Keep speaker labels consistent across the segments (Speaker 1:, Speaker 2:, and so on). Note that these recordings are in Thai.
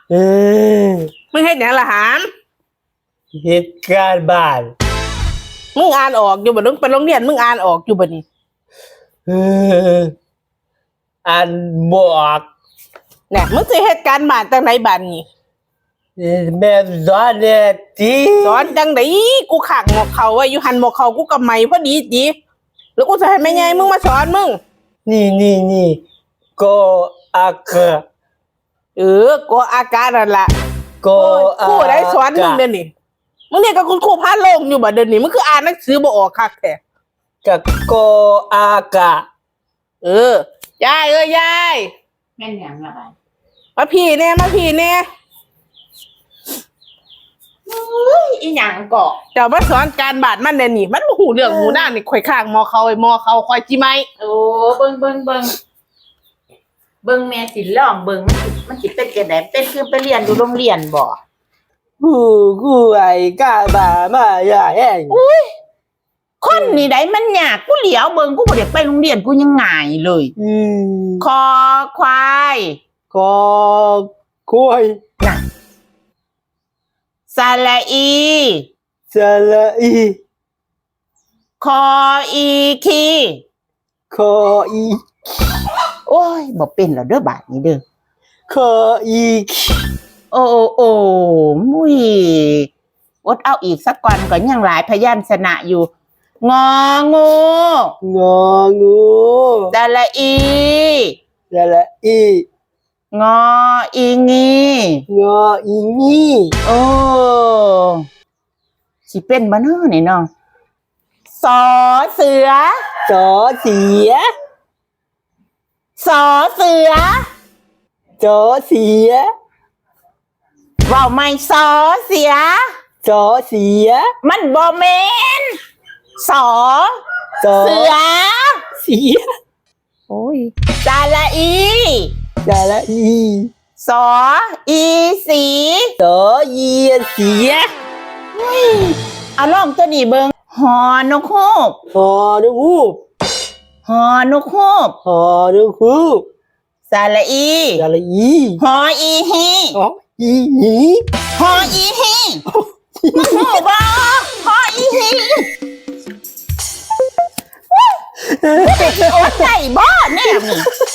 Speaker 1: เออ
Speaker 2: มึงเฮ็ดหยังล่ะหาม
Speaker 1: เหตุการณ์บ้าน
Speaker 2: มึงอ่านออกอยู่บ่มึงไปโรงเรียนมึงอ่านออกอยู่บ่นี่
Speaker 1: เอออ่านบอก
Speaker 2: เนี่ยมึงสิเฮ็ดการบ้านจังไดบ้านนี่
Speaker 1: แม่สอนเนี่ยที
Speaker 2: สอนจังไดกูขังหมอกเขาไว้อยู่หันหมอกเขากูกับไหมพอดีจีแล้วกูจะให้แม่ใหญ่มึงมาสอนมึง
Speaker 1: นี่ก็อากา
Speaker 2: กูอากาศนั่นล่ะ
Speaker 1: ก็อา
Speaker 2: กูได้สอนมึงเดี๋ยวนี้มึงเนี่ยกับคุณครูพาโลงอยู่บ่เดี๋ยวนี้มึงคืออ่านหนังสือบ่ออกคักแท้
Speaker 1: กับก็อากา
Speaker 2: ยายยาย
Speaker 3: แม่นหยังละบาด
Speaker 2: มาพี่แน่มาพี่แน่
Speaker 3: อีหยังเกาะ
Speaker 2: เจ้ามาสอนการบ้านมันเดี๋ยวนี้มันบ่ฮู้เรื่องหูหน้านี่ข่อยข้างมอเขาไอ้มอเขาข่อยจิไหม
Speaker 3: โอ้เบิ่งแม่สิลองเบิ่งมันสิเป็นจังไดเป็นคือไปเรียนอยู่โรงเรียนบ่
Speaker 1: กูไอ้กาบามาอย่าแห้ง
Speaker 3: คนนี่ได้มันยากกูเหลียวเบิ่งกูบ่ได้ไปโรงเรียนกูยังง่ายเลย คอควาย
Speaker 1: ก็คุย
Speaker 3: น่ะสระอี
Speaker 1: สละอี
Speaker 3: คออีคี
Speaker 1: คออี
Speaker 3: โอ้ยบ่เป็นแล้วเด้อบาดนี้เด้อ
Speaker 1: คออี
Speaker 3: โอ้มุ้ยอดเอาอีกสักก่อนก็ยังหลายพยัญชนะอยู่งองู
Speaker 1: งองู
Speaker 3: สระอี
Speaker 1: สละอี
Speaker 3: งออีงี
Speaker 1: งออีนี่
Speaker 3: โอ้สิเป็นบ่เนาะนี่เนาะสอเสือ
Speaker 1: สอเสีย
Speaker 3: สอเสือ
Speaker 1: สอเสีย
Speaker 3: เว้าไม่สอเสีย
Speaker 1: สอเสีย
Speaker 3: มันบ่แม่นสอ
Speaker 1: สอ
Speaker 3: เสือ
Speaker 1: เสีย
Speaker 3: โอ้ยสระอี
Speaker 1: สละอี
Speaker 3: สออีสี
Speaker 1: สอเยียเสีย
Speaker 3: เอาลองตัวนี้เบิ่งหอนกฮูก
Speaker 1: หอนูฮูก
Speaker 3: หอนกฮูก
Speaker 1: หอนูฮูก
Speaker 3: สระอี
Speaker 1: สละอี
Speaker 3: หออีฮี
Speaker 1: หออีหี
Speaker 3: หออีฮีมึงหูบ่หออีฮีโอ้ใจบ่แน่นี่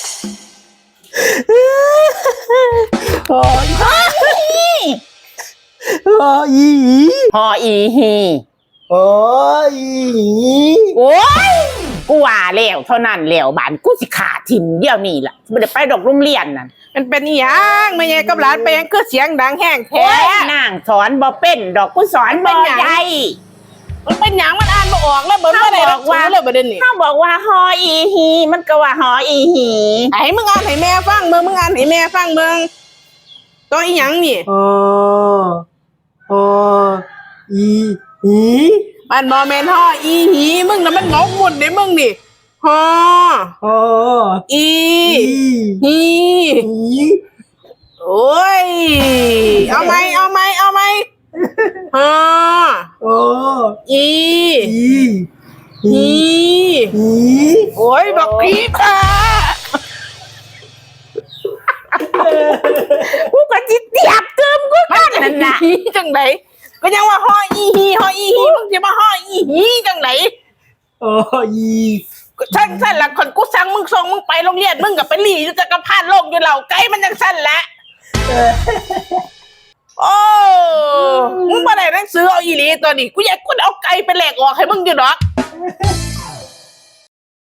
Speaker 1: หอ
Speaker 3: หออีฮี
Speaker 1: หออีหี
Speaker 3: หออีฮี
Speaker 1: หออีหี
Speaker 3: โอ้ยกูว่าแล้วเท่านั้นแล้วบ้านกูสิขาทิมเดี๋ยวนี้ล่ะบ่ได้ไปดอกโรงเรียนนั่น
Speaker 2: มันเป็นอีหยังแม่ใหญ่กับหลานไปยังคือเสียงดังแห้ง
Speaker 3: โอ้
Speaker 2: แท้
Speaker 3: ยนางสอนบ่เป็นดอกกูสอนบ่ได้
Speaker 2: มันเป็นหยังมันอ่านบ่ออกแล้วเบิ่งบ่ได้หรอกว่าเลยบ่เดี๋ยวนี้
Speaker 3: เขาบอกว่าหออีฮีมันก็ว่าหออีฮี
Speaker 2: ให้มึงอ่านให้แม่ฟังเบิ่งมึงอ่านให้แม่ฟังเบิ่งตัวอีหยังนี่
Speaker 1: หอหออีหี
Speaker 2: มันบ่แม่นฮออีหีมึงน่ะมันงกหมดเด้มึงนี่ฮอ
Speaker 1: หอ
Speaker 2: อี
Speaker 1: อี
Speaker 2: หี
Speaker 1: หี
Speaker 2: โอ้ยเอาไหมฮอ
Speaker 1: หอ
Speaker 2: อี
Speaker 1: อี
Speaker 2: หี
Speaker 1: หี
Speaker 2: โอ้ยบักพีค่ะ
Speaker 3: กูก็จิเตียบเติมกูกันนั่นน่ะ
Speaker 2: หีจังไดก็ยังว่าฮออีหีมึงสิมาฮออีหีจังได
Speaker 1: หออี
Speaker 2: สั้นละคนกูสั่งมึงส่งมึงไปโรงเรียนมึงกับไปหลีอยู่จักรพรรดิโลกอยู่เหล่าไกลมันยังสั้นละโอ้มึงมาไหนหนังสือเอาอีหลีตัวนี้กูอยากกูเอาไก่ไปแหลกออกให้มึงอยู่ดอก